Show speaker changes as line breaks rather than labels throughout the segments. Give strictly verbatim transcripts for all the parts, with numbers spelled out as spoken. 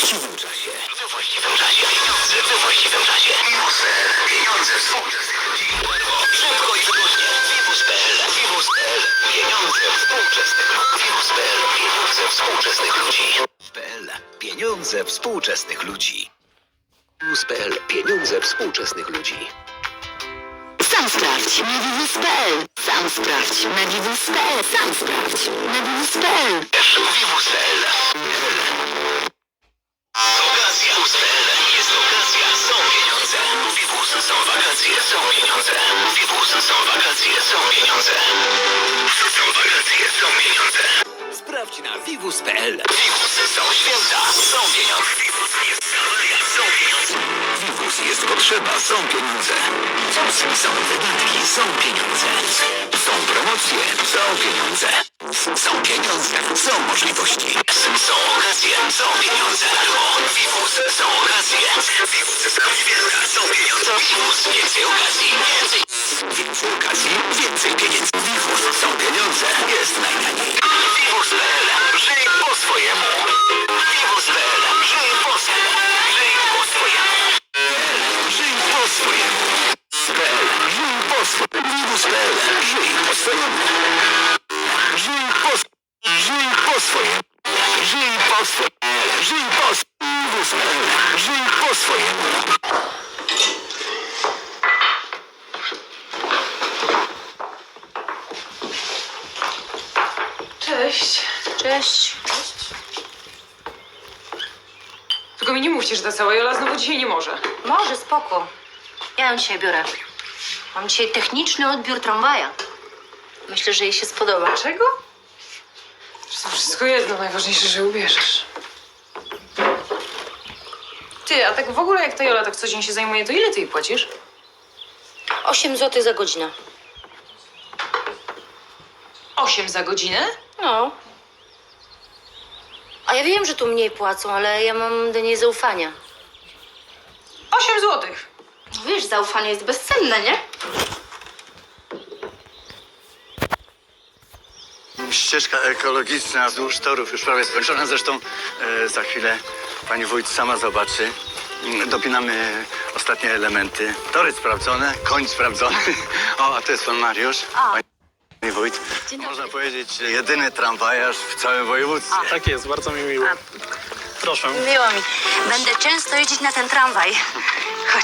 właściwym czasie. We właściwym czasie. Pieniądze we właściwym czasie. Vivus.pl. Pieniądze współczesnych ludzi. Szybko i wygodnie. Vivus.pl. Vivus.pl. Pieniądze współczesnych ludzi. Vivus.pl. Pieniądze współczesnych ludzi. Vivus.pl. Pieniądze współczesnych ludzi. Vivus.pl. Pieniądze współczesnych ludzi.
Sam sprawdź na Vivus.pl. Sam sprawdź na Vivus.pl. Sam sprawdź na Vivus.pl.
Vivus.pl. Okazja. Vivus.pl. Jest okazja. Są pieniądze. Vivus. Są wakacje. Są pieniądze. Vivus. Są wakacje. Są pieniądze. Są wakacje. Są pieniądze. Sprawdź na Vivus.pl. Vivus. Są święta. Są pieniądze. Vivus. Jest awaria. Są pieniądze. Vivus. Jest potrzeba. Są pieniądze. Są wydatki. Są pieniądze. Są promocje. Są pieniądze. Są pieniądze. Są możliwości. Są okazje. Są pieniądze. Vivus. Są okazje. Vivus. Są święta. Są pieniądze. Vivus. Więcej okazji. Więcej. Więcej okazji. Więcej pieniędzy. Vivus. Są pieniądze. Jest najtaniej. Vivus.pl. Żyj po swojemu. Vivus.pl. Żyj po swojemu. Żyj po swojemu. Żyj po swojemu. P.l. Żyj po swojemu. Vivus.pl. Żyj po swojemu. Żyj po Żyj po swojemu. Żyj po swojemu. Żyj po Vivus.pl. Żyj po swojemu.
Cześć.
Cześć.
Tylko mi nie mówcie, że ta cała Jola znowu dzisiaj nie może.
Może, spoko. Ja ją dzisiaj biorę. Mam dzisiaj techniczny odbiór tramwaja. Myślę, że jej się spodoba.
Czego? Zresztą wszystko jedno, najważniejsze, że ubierzesz. Ty, a tak w ogóle jak ta Jola tak co dzień się zajmuje, to ile ty jej płacisz?
osiem złotych za godzinę.
Osiem za godzinę?
No. A ja wiem, że tu mniej płacą, ale ja mam do niej zaufania.
Osiem złotych.
No wiesz, zaufanie jest bezcenne, nie?
Ścieżka ekologiczna wzdłuż torów już prawie skończona. Zresztą e, za chwilę pani wójt sama zobaczy. Mm, Dopinamy ostatnie elementy. Tory sprawdzone, koń sprawdzony. O, a to jest pan Mariusz.
A.
Pani wójt.
Dzień dobry.
Można powiedzieć, jedyny tramwajarz w całym województwie.
Tak jest, bardzo mi miło. Proszę.
Miło mi. Będę często jeździć na ten tramwaj. Chodź.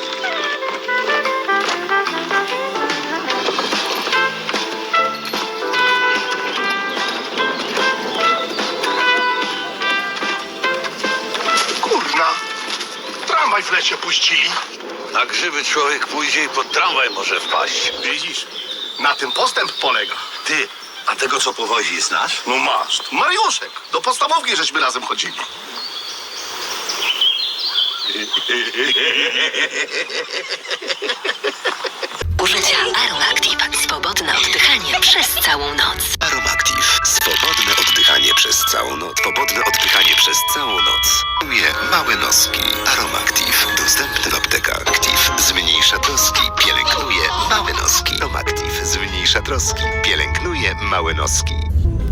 Kurna! Tramwaj w lesie puścili.
Na grzyby człowiek pójdzie i pod tramwaj może wpaść.
Widzisz? Na tym postęp polega.
Ty, a tego co powozi znasz?
No masz. To Mariuszek. Do podstawówki żeśmy razem chodzili.
Użycia Aromactive. Swobodne oddychanie przez całą noc.
Aromactive. Swobodne oddychanie przez całą noc. Swobodne oddychanie przez całą noc.Uje małe noski. Aromactive. Dostępny w aptekach. Active zmniejsza troski. Pielęgnuje małe noski. Aromactive zmniejsza troski. Pielęgnuje małe noski.